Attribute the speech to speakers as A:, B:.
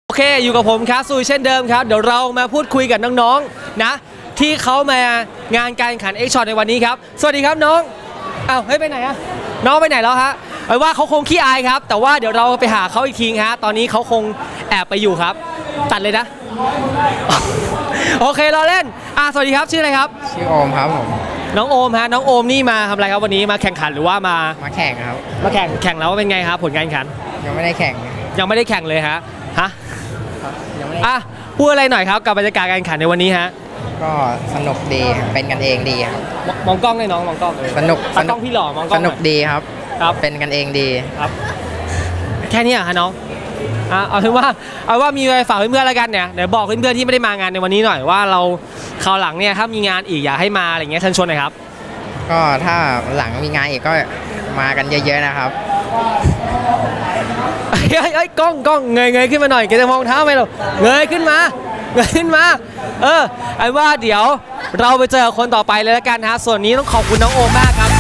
A: โอเคอยู่กับผมครับซูเช่นเดิมครับเดี๋ยวเรามาพูดคุยกับน้องๆนะที่เขามางานการแข่งขันเอ็กช็อตในวันนี้ครับสวัสดีครับน้องอ้าวเฮ้ยไปไหนอะน้องไปไหนแล้วฮะไอ้ว่าเขาคงขี้อายครับแต่ว่าเดี๋ยวเราไปหาเขาอีกทีฮะตอนนี้เขาคงแอบไปอยู่ครับตัดเลยนะโอเคเราเล่นสวัสดีครับชื่ออะไรครับ
B: ชื่อโอมครับผม
A: น้องโอมฮะน้องโอมนี่มาทำอะไรครับวันนี้มาแข่งขันหรือว่ามา
B: แข่งครับ
A: มาแข่งแล้วเป็นไงครับผลการแข่งขัน
B: ยังไม่ได้แข่ง
A: เลยฮะยังไม่ได้พูดอะไรหน่อยครับกับบรรยากาศการแข่งขันในวันนี้ฮะ
B: ก็สนุกดีเป็นกันเองดีครับ
A: มองกล้องเลยน้องมองกล้อง
B: สนุก
A: กล้องพี่หล่อมองกล้อง
B: สนุกดีครับเป็นกันเองดี
A: ครับแค่นี้ฮะน้องเอาเป็นว่ามีอะไรฝากเพื่อนๆแล้วกันเนี่ยเดี๋ยวบอกเพื่อนๆที่ไม่ได้มางานในวันนี้หน่อยว่าเราคราวหลังเนี่ยถ้ามีงานอีกอยากให้มาอะไรเงี้ยเชิญชวนหน่อยครับ
B: ก็ถ้าหลังมีงานอีกก็มากันเยอะๆนะครับ
A: ไอ้กล้องเงยขึ้นมาหน่อยแกจะมองเท้าไหมเราเงยขึ้นมาไอ้ว่าเดี๋ยวเราไปเจอคนต่อไปเลยแล้วกันฮะส่วนนี้ต้องขอบคุณน้องโอมมากครับ